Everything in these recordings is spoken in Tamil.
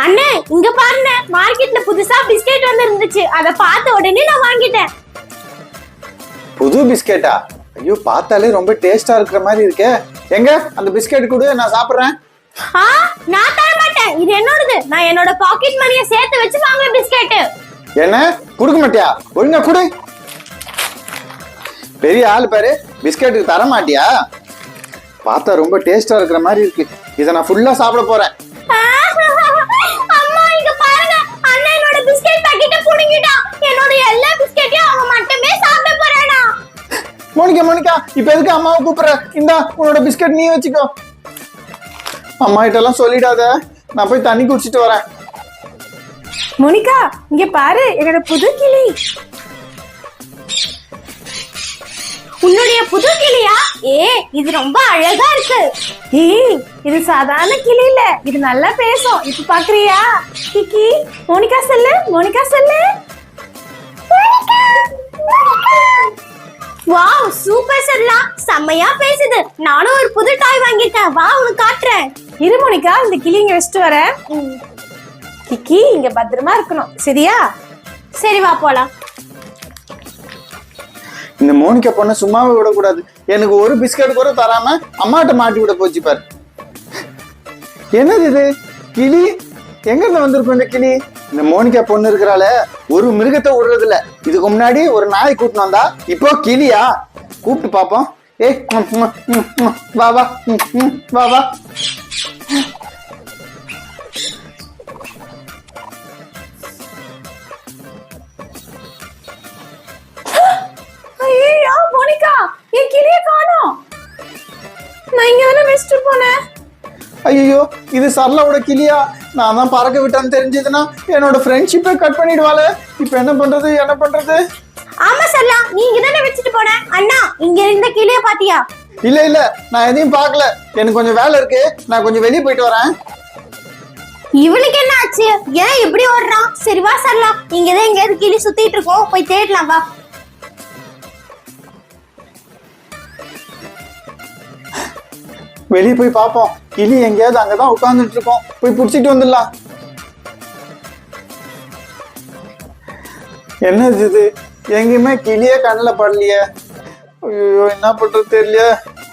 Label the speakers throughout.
Speaker 1: அண்ணே இங்க பாருங்க, மார்க்கெட்ல புதுசா பிஸ்கெட் வந்து இருந்துச்சு. அத பார்த்த உடனே நான் வாங்கிட்டேன்.
Speaker 2: புது பிஸ்கெட்டா? ஐயோ, பார்த்தாலே ரொம்ப டேஸ்டா இருக்கிற மாதிரி இருக்கே. எங்க அந்த பிஸ்கெட் கொடு, நான் சாப்பிடுறேன்.
Speaker 1: நான் தர மாட்டேன், இது என்னோடது. நான் என்னோட பாக்கெட் மணியை சேர்த்து வச்சு வாங்குற பிஸ்கெட்.
Speaker 2: என்ன குடுக்க மாட்டியா? ஒழுங்கா குடு. பெரிய ஆள் பாரு, பிஸ்கெட்டுக்கு தர மாட்டியா? பார்த்தா ரொம்ப டேஸ்டா இருக்கிற மாதிரி இருக்கு. இதை நான் ஃபுல்லா சாப்பிட போறேன்.
Speaker 1: அம்மா இங்க பாருங்க, அண்ணன் என்னோட பிஸ்கெட் பாக்கெட்டை புடுங்கிட்டான். என்னோட எல்லா பிஸ்கெட்டையும் அவன் மட்டுமே சாப்பிட போறானா?
Speaker 2: மோனிகா மோனிகா, இப்ப எதுக்கு அம்மாவை கூப்பிடுற? இந்தா உன்னோட பிஸ்கெட் நீ வச்சுக்கோ. அம்மா கிட்ட எல்லாம் சொல்லிடாத, நான் போய் தண்ணி குடிச்சிட்டு வரேன்.
Speaker 1: மோனிகா இங்க பாரு, என்னோட புது கிளி. உன்னுடைய புது கிளியா? இது ரொம்ப அழகா இருக்கு. இது சாதாரண கிளி இல்ல, இது நல்லா பேசும். இப்ப பாக்குறியா? கிக்கி, மோனிகா சொல்லு, மோனிகா சொல்லு. வாவ், சூப்பர் சொல்லலாம், செம்மையா பேசுது. நானும் ஒரு புது டாய் வாங்கிட்டேன், வா உனக்கு காட்டுறேன். இரு மோனிகா, இந்த கிளி இங்க வச்சுட்டு வரேன். கிக்கி இங்க பத்திரமா இருக்கணும், சரியா? சரி வா போலாம்.
Speaker 2: இந்த மோனிகா பொண்ணை சும்மாவே விடக்கூடாது. எனக்கு ஒரு பிஸ்கட் கூட தராம அம்மாட்ட மாட்டி விட போச்சு பாரு. என்னது இது? கிளி எங்க இருந்து வந்திருக்கும் இந்த கிளி? இந்த மோனிகா பொண்ணு இருக்கிறால ஒரு மிருகத்தை விடுறது இல்ல. இதுக்கு முன்னாடி ஒரு நாய் கூட்டினு வந்தா, இப்போ கிளியா? கூப்பிட்டு பாப்போம். வா வா வா வா.
Speaker 1: ஐயோ மோனிகா, என் கிளிய காணோம். நான் இங்க தானே வெஸ்ட் போனேன்.
Speaker 2: ஐயோ, இது சரளாவோட கிளியா? நான் தான் பறக்க விட்டான்னு தெரிஞ்சதுன்னா என்னோட ஃப்ரெண்ட்ஷிப்பை கட் பண்ணிடுவாளே. இப்ப என்ன பண்றது, என்ன பண்றது?
Speaker 1: ஆமா சரளா, நீ இங்க தானே வச்சுட்டு போன. அண்ணா இங்க இருந்த கிளிய பாத்தியா?
Speaker 2: இல்ல இல்ல, நான் எதையும் பார்க்கல. எனக்கு கொஞ்சம் வேலை இருக்கு, நான் கொஞ்சம் வெளியே போயிட்டு வரேன்.
Speaker 1: இவனுக்கு என்ன ஆச்சு? ஏன் இப்படி ஓடுறான்? சரி வா சரளா, இங்கதான் எங்கேயாவது கிளி சுத்திட்டு இருக்கோம், போய் தேடலாம் வா.
Speaker 2: வெளியே போய் பார்ப்போம். கிளி எங்கேயாவது அங்கதான் உட்கார்ந்துட்டு இருக்கோம், போய் புடிச்சிட்டு வந்துடலாம். என்னது இது? எங்கேயுமே கிளியே கண்ணில் படலையே. ஐயோ, என்ன பண்றது தெரியல.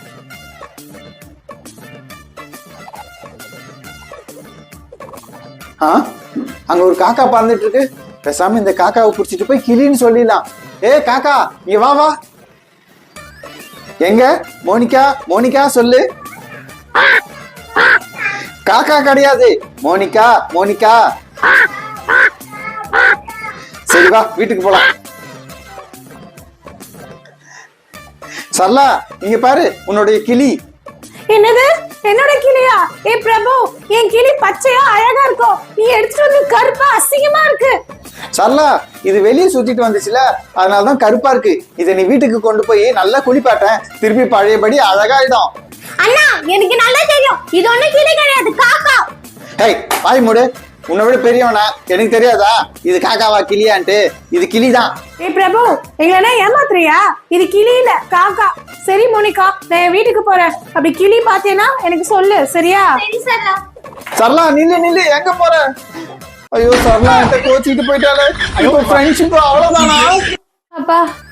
Speaker 2: அங்க ஒரு காக்கா பறந்துட்டு இருக்கு. பேசாம இந்த காக்காவை புடிச்சிட்டு போய் கிளின்னு சொல்லிடலாம். ஏ காக்கா, இங்க வா வா. எங்க மோனிகா? மோனிகா சொல்லு. காக்கா கிடையாது, மோனிகா. மோனிகா சரி வா, வீட்டுக்கு போலாம். சரளா இங்க பாரு, உன்னுடைய கிளி.
Speaker 1: என்னது? என்னோட கிளியா? ஏ பிரபு, என் கிளி பச்சையா அழகா இருக்கும், நீ எடுத்துட்டு வந்து கருப்பா அசிங்கமா இருக்கு.
Speaker 2: சரளா, இது வெளியே சுத்திட்டு வந்துச்சுல, அதனாலதான் கருப்பா இருக்கு. இதை நீ வீட்டுக்கு கொண்டு போய் நல்லா குளிப்பாட்டேன், திருப்பி பழையபடி அழகாயிடும்.
Speaker 1: அண்ணா எனக்கு நல்லா தெரியும், இது ஒண்ணு கிளி கிடையாது, காக்கா.
Speaker 2: ஹே, வாய் மூடு. உன்னை விட பெரியவனா, எனக்கு தெரியாதா இது காக்காவா கிளியான்ட்டு? இது கிளிதான்.
Speaker 1: ஏ பிரபு, எங்களா ஏமாத்துறியா? இது கிளி இல்ல, காக்கா. சரி மோனிகா, நான் வீட்டுக்கு போறேன். அப்படி கிளி பாத்தேன்னா எனக்கு சொல்லு, சரியா? சரி சரளா.
Speaker 2: சரளா நில்லு நில்லு, எங்க போற? ஐயோ, சரளா என்கிட்ட கோச்சிட்டு போயிட்டாலே. இப்போ ஃப்ரெண்ட்ஷிப் அவ்வளவுதானா?
Speaker 1: அப்பா